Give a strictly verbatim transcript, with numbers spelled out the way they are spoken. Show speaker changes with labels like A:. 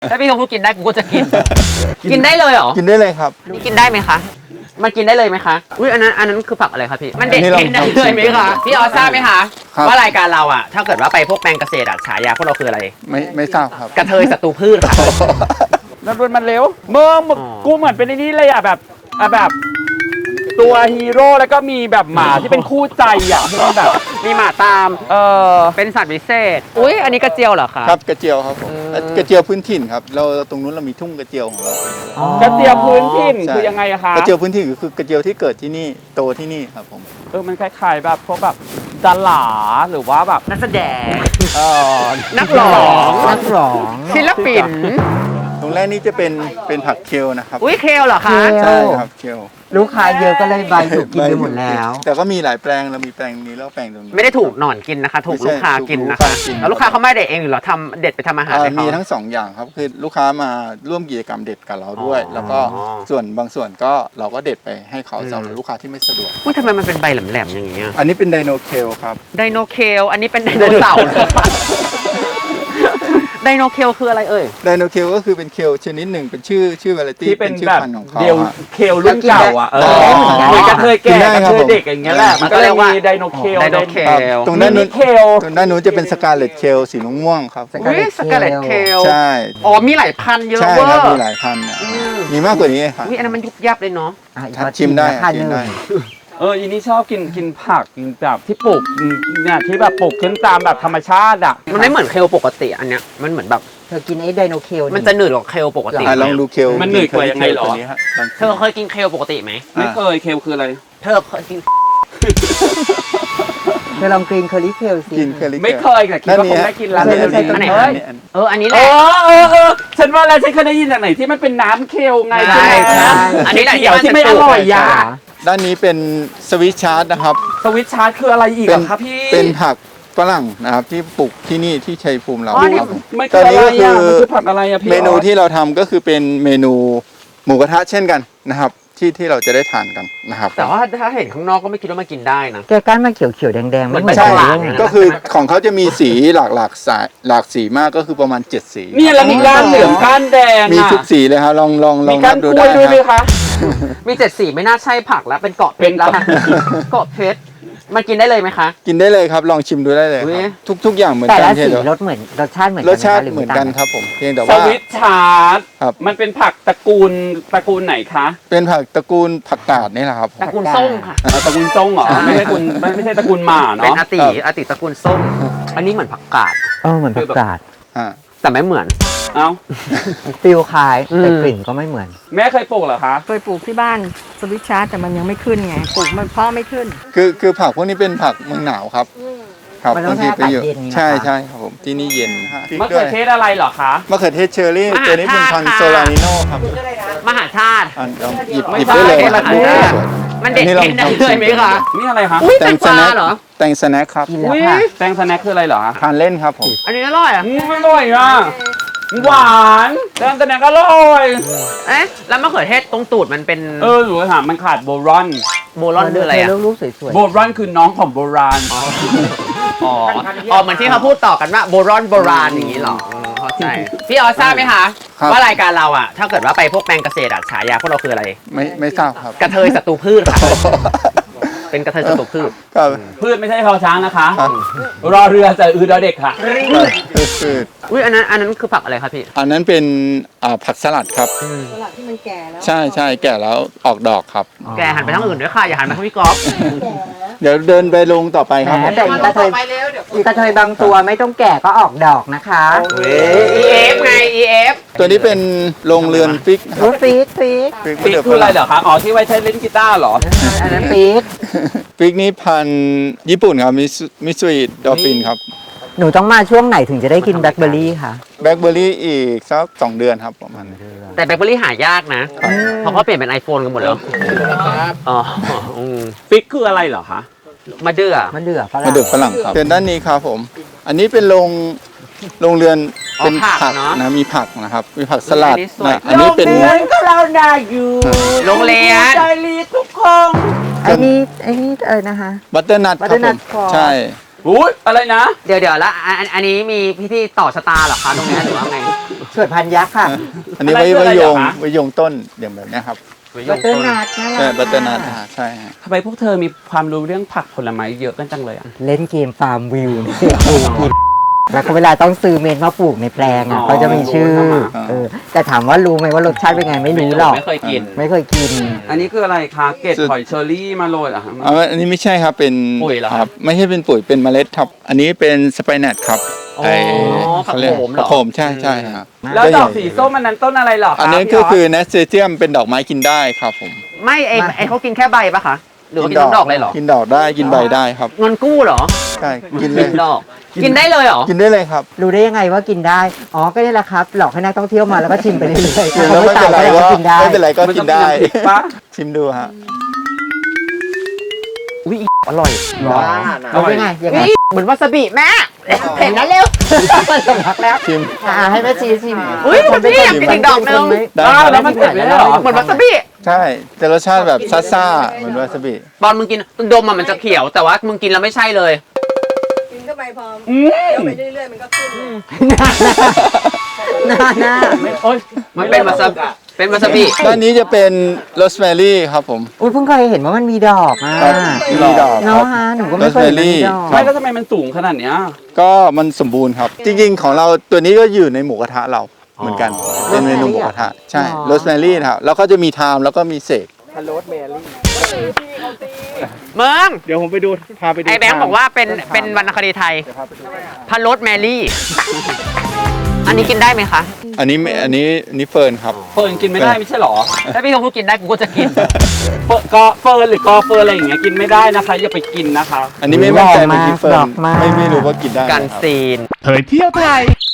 A: ถ้าพี่เขาพูดกินได้กูก็จะกิน กินได้เลยเหรอ
B: กินได้เลยครับ
A: นี่กินได้ไหมคะมันกินได้เลยไหมคะอุ้ยอันนั้นอันนั้นคือผักอะไรคะพี่มันเด็ด
B: อันนี้
A: กินได้
B: เรา
A: เลยไหมคะพี่ออสทราบไหมคะ
B: ครับ
A: ว่ารายการเราอะถ้าเกิดว่าไปพวกแปลงเกษตรอะฉายาพวกเราคืออะไร
B: ไม่ไม่ทราบครับ
A: กระเทยศัตรูพืชค่ะ
C: แล้วรวนมันเร็วเมื่อมึง
A: อ๋อ
C: กูเหมือนเป็นไอ้นี่เลยอ่ะแบบอ่ะแบบ ตัวฮีโร่แล้วก็มีแบบหมาที่เป็นคู่ใจอ่ะที่มันแบบ
A: มีหมาตาม
C: เออ
A: เป็นสัตว์พิเศษอุ้ยอันนี้กระเจียวเหรอคะ
B: ครับกระเจียวครับผม
A: เออ
B: กระเจียวพื้นถิ่นครับเราตรงนู้นเรามีทุ่งกระเจียวของเรา
C: กระเทียมพื้นถิ่น
B: ใช่
C: คือยังไงอะคะ
B: กระเจียวพื้นถิ่นก็คือกระเจียวที่เกิดที่นี่โตที่นี่ครับผม
C: เออมันคล้ายๆแบบพวกแบบดาราหรือว่าแบบ
A: นักแสดง
C: เออ
A: นักร้อง
D: นักร้อง
A: ศิลปิน
B: ตรงแรกนี่จะเป็นเป็นผักเคลนะครับ
A: อุ้ยเคลเหรอคะ
B: ใช่ครับเคล
D: ลูกค้าเยอะก็เลยใบถูกกินไปหมดแล้ว
B: แต่ก็มีหลายแปลงเรามีแปลงนี้แล้วแปลงตรงนี้
A: ไม่ได้ถูกหนอนกินนะคะ ถูก
B: ไม่ใช่
A: ลูกค้ากินนะ
B: ถูกลูกค้า
A: คะ
B: กิน
A: แล้วลูกค้าเขาไม่เด็ดเองหรือเราทำเด็ดไปทำอาหาร
B: อ่า
A: ให้เขา
B: มีทั้งสองอย่างครับคือลูกค้ามาร่วมกิจกรรมเด็ดกับเราด้วย
A: อ๋อ
B: แล้วก็ส่วนบางส่วนก็เราก็เด็ดไปให้เขาสำหรับลูกค้าที่ไม่สะดวก
A: อุ้ยทำไมมันเป็นใบแหลมๆอย่างเงี้ย
B: อันนี้เป็นไดโนเคลครับ
A: ไดโนเคลอันนี้เป็นไดโนเสาร์นะคะไดโนเคลคืออะไรเอ่ย
B: ไดโนเคลก็คือเป็นเคลชนิดหนึ่งเป็นชื่อชื่อวาไรตี้
C: ที่เป็น
B: ชื่อ
C: แบบ
B: พันธุ์ของเขา
C: เดียว
B: ฮะ
C: เคลรุ่นเก่าอ่ะเออ
B: อ๋อ
C: มีกระเทย
B: กิ
C: แก่
B: นได้
C: กระ
B: ครับ
C: เทย
B: ผม
C: เด็กอย่างเงี้ยแหละมันก็เลยมีไดโนเคล
A: ไดโนเคล
B: ตรงด้านนู้น
C: เคล
B: ตรงด้านนู้นจะเป็นสกาเลตเคลสีม่วงๆครับผม
A: อุ้ยสกาเลตเคล
B: ใช่
A: อ๋อมีหลายพันเยอะ
B: ใช่
A: เวอ
B: ครับ
A: ร์
B: มีหลายพันธุ์เนี่ย
A: อืม
B: มีมากกว่านี้ครับ
A: อุ้ยอันนั้นมันยุบยับเลยเนาะ
D: อ่ะอีก
B: ครับ
D: วัด
B: ชิมได้
D: ราคา
B: ชิมได้
D: หนึ่ง
C: เอออีนี่ชอบกินกินผักกินแบบที่ปลูกเนี่ยที่แบบปลูกขึ้นตามแบบธรรมชาติอ่ะ
A: มันไม่เหมือนเคลปกติอันเนี้ยมันเหมือนแบบ
D: เธอกินไอ้ไดโนเคล
A: มันจะหนืดกว่าเคลปกติ
B: อ่ะลองดูเคล
C: มันหนืดกว่ายังไงเหรอ
B: ตัวนี้ฮะลอง
A: เธอเคยกินเคลปกติไหม
C: ไม่เคยเคลคืออะไร
A: เธอเคยกิน
D: เธอลองกรีนเคอรี่เคลสิ
B: กินเคล
C: ไม่เคยแต่คิดว่าคงได้กินแล้ว
B: อันนี้
D: ไม่ใช่
B: อันนี้
D: ต้นไม้
B: อันนี้อันนี้
A: เอออันนี้แห
C: เอ
A: ละ
C: อเออเออฉันว่าแล้วฉันเคยได้ยินจากไหนที่มันเป็นน้ำเคลไง
A: ใช่
C: ใช่ไหม
A: ใช่อันนี้แหละ
C: เขียวที่ไม่อร่อยยา
B: ด้านนี้เป็นสวิตชาร์ดนะครับ
C: สวิตชาร์จคืออะไรอีก
B: เป็
C: อะ
B: น
C: ครับพี่
B: เป็นผักฝรั่งนะครับที่ปลูกที่นี่ที่ชัยภูมิเรา
A: อ๋อนี่
B: ครับผม
C: ไม่
B: ต
C: คือ
B: อน
C: อะไร
B: นี้ก็
C: อ่ะ
B: คือ
C: มันคือผักอะไรอะพี่
B: เมนูที่เราทำก็คือเป็นเมนูหมูกระทะเช่นกันนะครับ ที่ที่เราจะได้ทานกันนะครับ
A: แต่ว่าถ้าเห็นข้างนอกก็ไม่คิดว่ามากินได้นะ
D: แกก้านมาเขียวเขียวๆแดงแดงๆ
A: เหมือน
D: ไม่
A: ใช่
D: ใช่
A: ห
D: เรื่อง
A: นะ
B: ก็คือของเขาจะมีสีหลากหลากสายหลากสีมากก็คือประมาณเจ็ดสี
C: นี่แล้วมีก้านเหลืองก้านแดง
B: มี
C: อะ
B: ทุกสีเลยครับลองลองล
C: มี
B: อง
C: ก้า
B: นั
C: น
B: บดู
C: กล้วย
B: ได้
C: ด้วยไหม
B: ครับ
C: คะ
A: มีเจ็ดสีไม่น่าใช่ผักแล้วเป็นเกาะเพ
C: เป็
A: ช
C: น
A: รแล้วนะเกาะเพชรมันกินได้เลยไหมคะ
B: กินได้เลยครับลองชิมดูได้เลยค
A: อุ๊
B: รับ
A: ย
B: ทุกทุกอย่างเหมือน
D: แต่
B: กัน
D: ละ
B: เพีย
D: สี
B: งแต่
D: รสเหมือนรสชาติเหมือน
B: ร
D: กัน
B: สชาติ
D: ไห
B: เหมือนกันครับผมเพียงแต่
C: ส
B: ว่า
C: วิตชาร์จ
B: ครับ
C: มันเป็นผักตระกูลตระกูลไหนคะ
B: เป็นผักตระกูลผักกาดนี่แหละครับผม
A: ตระกูลส้มค่ะ
C: อ่าตระกูลส้งเหรอไม่ใช่ตระกูลไม่ไม่ใช่ตระกูลหมา
A: เป็น
C: เนาะ
A: อาติอาติตระกูลส้ม อันนี้เหมือนผักกาด
D: เออเหมือนผักกาด
B: อ่า
A: แต่ไม่เหมือน
C: เอ้า
D: ฟิลคล้าย
A: อืม
D: แต่กลิ่นก็ไม่เหมือน
C: แม่เคยปลูกเหรอคะ
E: เคยปลูกที่บ้านสวิตชาร์จแต่มันยังไม่ขึ้นไงปลูกมันเพาะไม่ขึ้น
B: คือคือผักพวกนี้เป็นผักเมืองหนาวครับครับ
D: มันต้อง
B: บางทีไปอยู่
D: ให้อากาศเย็นไง
B: ใช่
D: คะ
B: ใช่ครับผมที่นี่เย็นฮะพริก
C: มะ
B: ด้
C: เขื
B: ว
C: อย เทศอะไรเหรอคะ
B: มะเขือเทศเชอร์รี่
A: มหา
B: ตัวนี้เป็นพันธุ์
A: ชาติค่ะ
B: โซลานิโนครับ
A: มหาชาติ
B: อ่ะลองหยิบ
C: ไม่
B: หยิบ
C: ใช่
B: ได้เลย
C: คนละ
B: รูป
C: เทศ
B: สวย
A: มันเด็ด
B: อันนี้ลอง
A: กินได้
B: ลอง
A: เลยไหมคะ
C: นี่อะไรคะ
A: อุ้ย
B: แต
A: แต
B: ง
A: ง
B: ส
A: กวา
B: แน็ค
A: เหรอ
B: แตงสแน็คครับ
D: กินแล้วค่ะ
C: แตงสแน็คคืออะไรเหรอคะ
B: ทานเล่นครับผม
A: อันนี้อร่อยอ่ะ
C: อืมอร่อยอ่ะหวานแตงสแน็คอร่อย
A: เอ๊ะแล้วมะเขือเทศตรงตูดมันเป็น
C: เออหนูถามมันขาดโบรอน
A: โบลอนคืออะไรอ่ะ
D: เธรูปสวย
C: โบรอนคือน้องของโบราณ
A: อ๋ออ๋อเหมือนที่เขาพูดต่อกันว่าโบรอนโบราณอย่างนี้เหรออืมเข้าใจพี่ออสทราบไหมคะ
B: ครับ
A: ว่ารายการเราอ่ะ ถ้าเกิดว่าไปพวกแปลงเกษตรอะฉายาพวกเราคืออะไร
B: ไม่ไม่ทราบครับ
A: กระเทยศัตรูพืชค่ะ เป็นกระเทยศัตรูพืช
B: ครับ
C: พืชไม่ใช่พอช้างนะคะ
B: ครับ
C: รอเรือจะอือดอเด็กค่ะ
B: คือคือ
A: อุ้ยอันนั้นอันนั้นคือผักอะไรครับพี่
B: อันนั้นเป็นอ่าผักสลัดครับ
E: สลัดที่มันแก่แล้ว
B: ใช่ใช่แก่แล้วออกดอกครับ
D: ๆ
A: แกหันไปทางอื่นด้วยค่ะอย่าหันไปทางพี่ก๊อฟ
B: เดี๋ยวเดินไปลงต่อไปครับ
D: แห
B: ผม ม
D: แต่อีกระเทยอีกระเทยบางตัวไม่ต้องแก่ก็ออกดอกนะคะ
A: อีเอฟไง อี เอฟ
B: ตัวนี้เป็นโรงเรือนฟิกนะครั
D: รู้
B: บ
D: ฟีดฟีด
B: ฟิก
C: ปีกคืออะไรเหรอคะ อ๋อที่ไว้ใช้เล่นกีตาร์เหรอ
D: อันนั้นฟีด
B: ฟิกนี้พันธุ์ญี่ปุ่นครับมิซุมิซุอิดอฟฟินครับ
D: หนูต้องมาช่วงไหนถึงจะได้กินแบล็คเบอร์รี่ค่ะ
B: แบล็คเบอร์รี่อีกสักสองเดือนครับประมาณนี้
A: แต่แบล็คเบอร์รี่หายากนะ เพราะเขาเปลี่ยนเป็น iPhone กันหมดแล้วอ๋ออืม
C: ฟิกคืออะไรเหรอคะ
A: มาเดือ
D: มันเดือฝรั่ง
B: มาเดือฝรั่งครับเชิญด้านนี้ครับผม อันนี้เป็นโรงโรงเรือน
A: อ๋อ
B: เป็น
A: ผัก
B: ผัก
A: เนอะ
B: นะมีผักนะครับ มีผักสลัด
A: อันนี้สวย
B: นะอันนี้เป็น
C: ก็เราได้อยู่
A: โรงเรียน
C: ใจรีทุกคน
D: ไอ้นี่ไอ้นี่เออนะคะ
B: บัตเตอร์นัทครับผ
D: butternut
B: ม
D: corn
B: ใช่
C: อุ้ยอะไรนะ
A: เดี๋ยวเดี๋ยวแล้วอันอันนี้มีพิธีต่อชะตาเหรอคะตรงนี้หรือว่าไง
D: สวดพันยักษ์ค่ะ
B: อันนี้ไว้
C: อะไรคือ
B: ไว้
C: อะไร
B: โยง
C: เหรอคะ
B: ไว้โยงต้นอย่างแบบเนี้ยครับ
D: บัตเตอร์นัทน่ารัก
B: ใช่บัตเตอร์นัทใช่ฮะ
C: ทำไมพวกเธอมีความรู้เรื่องผักผลไม้เยอะกันจังเลยอ่ะ
D: เล่นเกมฟาร์มวิวเนี่ยปลูกกินแล้วก็เวลาต้องซื้อเมนมาปลูกในแปลง
C: อ๋
D: อ่ะ
C: อ
D: เขาจะมีชื่อ
C: รู้ใช่ไหม
D: เออแต่ถามว่ารู้ไหมว่ารสชาติเป็นไงไม่รู้หรอก
C: ไม่เคยกิน
D: ไม่เคยกิน
C: อันนี้คืออะไรคะเกล็ดหอยเชอรี่มาโรยเหรอฮะ
B: เอาอันนี้ไม่ใช่ครับเป็น
C: ปุ๋ยเหรอ
B: ครับไม่ใช่เป็นปุ๋ยเป็นเมล็ดครับ อันนี้เป็นสไปนัทครับ
A: อ๋อ
B: ไอ้
A: ผัก
B: เขาเรีย
A: โขมเหรอ
B: ผักโขมใช่ใช่ครับ
C: แล้วดอกสีส้มอันนั้นต้นอะไรเหรอคะ
B: อันนี้
C: พี่
B: ก็
C: ออส
B: คือเนสเซเจียมเป็นดอกไม้กินได้ครับผม
A: ไม่ไอไอเขากินแค่ใบปะคะหรือว่ากินทั้งดอกเลยเหรอ
B: กินดอกได้กินใบได้ครับ
A: เงินกู้เหรอ
B: ใช่กินเล
A: กิ
B: ย
A: นดอก กินได้เลยเหรอ
B: กินได้เลยครับ
D: รู้ได้ยังไงว่ากินได้ อ๋อ ก็นี่แหละครับ หลอกให้นักท่องเที่ยวมาแล้วก็ชิมไปเรื่อยๆ
B: กินแล้วไม่เป็นไร
D: ก็
B: ก็
D: กินได้
B: ไม่เป็นไรก็กินได้
C: มันต้องกินน้ำพริกปะ
B: ชิมดูฮะ
A: อุ้ยอร่อย
D: รู้ได้ไงยังไง
A: นี่เหมือนวาซาบิแม่เห็นแล้วเร็ว
D: สำลักแล้ว
B: ชิม
D: อ่าให้แม่ชีชิม
A: อุ๊ยมันพี่อยากกินอีกดอกนึง
B: ได้
C: อ้าว
B: ค
C: แล้
B: รั
C: ว
B: บ
C: มันเผ็ดไหมเหรอ
A: เหมือนวาซาบิ
B: ใช่แต่รสชาติแบบซ่าๆเหมือนวาซาบิ
A: ตอนมึงกินดมอะมันจะเขียวแต่ว่ามึงกินแล้วไม่ใช่เลย
E: กินเข้าไปพอ
C: อืม
E: เคี้ยวไปเรื่อยๆมันก็ขึ้น
D: หน้าหน้า
C: โอ๊ย
A: มันเป็นวาซาบิเป็นวาซาบิ
B: ด้านนี้จะเป็นโรสแมรี่ครับผม
D: อุ้ยเพิ่งเคยเห็นว่ามันมีดอกอ่ะ
B: ครับมีดอกค
D: เนาะ
B: รับ
D: ฮะหนูก็ไม่เคยเห็นมันมีดอก
C: ไม่แล้วทำไมมันสูงขนาดเนี้ย
B: ก็มันสมบูรณ์ครับ จริงๆของเราตัวนี้ก็อยู่ในหมูกระทะเราเหมือนกัน เป็นเมนูหมูกระทะใช่โรสแมรี่ครับแล้วก็จะมีไทม์แล้วก็มีเสก
A: เมือง
B: เดี๋ยวผมไปดูพาไปดู
A: ไอแบงค์บอกว่าเป็นเป็นวรรณคดีไทยพันรสแมรี่ อันนี้กินได้ไหมคะ
B: อันนี้ไม่อันนี้อันนี้เฟิร์นครับ
C: เฟิร์นกินไม่ได้ไม่ใช่เหรอ
A: ถ้าพี่เขาพูดกินได้กูก็จะกิน
C: เฟิร์นกอเฟิร์นหรือกอเฟิร์นอะไรอย่างเงี้ยกินไม่ได้นะคะอย่าไปกินนะคะ
B: อันนี้ไม่มั่นใจ
D: ดอก
B: เมื่อ
D: มาก
B: กี้เฟิร์
D: ด
B: น
D: อกมาก
B: ไม่ไม่รู้ว่ากินได้ไหม
A: การ
B: ครับ
A: ซีน
F: เผยเที่ยวไทย